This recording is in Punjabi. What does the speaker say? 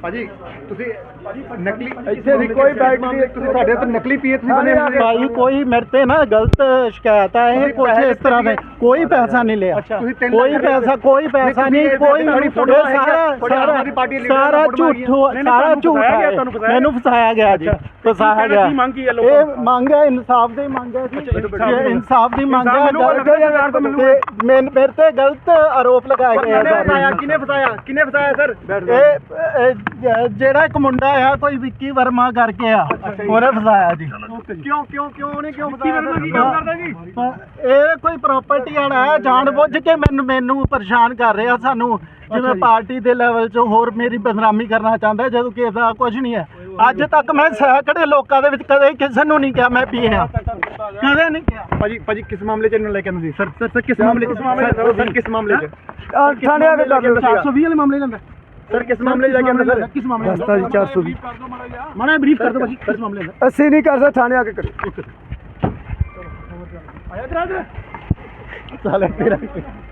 ਭਾਜੀ ਤੁਸੀਂ ਨਕਲੀ ਇੱਥੇ ਕੋਈ ਬੈਗ ਨਹੀਂ, ਤੁਸੀਂ ਸਾਡੇ ਤੇ ਨਕਲੀ ਪੀਏ ਤੁਸੀਂ ਬਣੇ ਹੋਏ ਭਾਈ ਕੋਈ ਮੇਰੇ ਤੇ ਨਾ ਗਲਤ ਸ਼ਿਕਾਇਤ ਆ ਇਹ ਕੁਝ ਇਸ ਤਰ੍ਹਾਂ ਦੇ ਕੋਈ ਪੈਸਾ ਨਹੀਂ ਲਿਆ, ਕੋਈ ਪੈਸਾ ਨਹੀਂ, ਕੋਈ ਸਾਰਾ ਝੂਠ ਹੈ, ਮੈਨੂੰ ਫਸਾਇਆ ਗਿਆ ਜੀ, ਫਸਾਇਆ ਗਿਆ। ਇਹ ਮੰਗ ਹੈ ਇਨਸਾਫ ਦੀ ਮੰਗ ਹੈ, ਇਨਸਾਫ ਦੀ ਮੰਗ ਹੈ। ਮੇਰੇ ਤੇ ਗਲਤ ਆਰੋਪ ਲਗਾਏ ਗਏ। ਕਿਨੇ ਫਸਾਇਆ ਸਰ? ਇਹ ਜਿਹੜਾ ਇੱਕ ਮੁੰਡਾ ਆ ਕੋਈ ਵਿੱਕੀ ਵਰਮਾ ਕਰਕੇ ਆ, ਉਹਨੇ ਫਸਾਇਆ ਜੀ। ਕਿਉਂ ਉਹਨੇ ਫਸਾਇਆ ਜੀ? ਇਹ ਕੋਈ ਪ੍ਰਾਪਰਟੀ ਵਾਲਾ ਹੈ, ਜਾਣ ਬੁੱਝ ਕੇ ਮੈਨੂੰ ਪਰੇਸ਼ਾਨ ਕਰ ਰਿਹਾ ਸਾਨੂੰ, ਜਿਵੇਂ ਪਾਰਟੀ ਦੇ ਲੈਵਲ 'ਚ ਹੋਰ ਮੇਰੀ ਬਦਨਾਮੀ ਕਰਨਾ ਚਾਹੁੰਦਾ, ਜਦੋਂ ਕਿ ਇਹਦਾ ਕੁਝ ਨਹੀਂ ਹੈ। ਅੱਜ ਤੱਕ ਮੈਂ ਸੈਂਕੜੇ ਲੋਕਾਂ ਦੇ ਵਿੱਚ ਕਦੇ ਕਿਸੇ ਨੂੰ ਨਹੀਂ ਕਿਹਾ ਮੈਂ ਪੀਆ, ਕਦੇ ਨਹੀਂ ਕਿਹਾ। ਭਾਜੀ ਕਿਸ ਮਾਮਲੇ 'ਚ ਇਹਨੂੰ ਲੈ ਕੇ ਆਉਂਦੇ ਸੀ ਸਰ? ਕਿਸ ਮਾਮਲੇ 'ਚ ਥਾਣੇ ਆ ਕੇ 420 ਵਾਲੇ ਮਾਮਲੇ ਲੈਂਦਾ ਸਰ? ਕਿਸ ਮਾਮਲੇ 'ਚ ਲੈ ਕੇ ਆਉਂਦੇ ਸਰ? ਕਿਸ ਮਾਮਲੇ ਰਸਤਾ ਜੀ 420 ਮਾੜਾ ਬਰੀਫ ਕਰ ਦਿਓ ਭਾਜੀ, ਕਿਸ ਮਾਮਲੇ ਦਾ? ਅਸੀਂ ਨਹੀਂ ਕਰ ਸਕਦੇ, ਥਾਣੇ ਆ ਕੇ ਕਰੇ। ਆਇਆ ਕਰਾ ਦੇ ਸਾਲੇ ਤੇਰਾ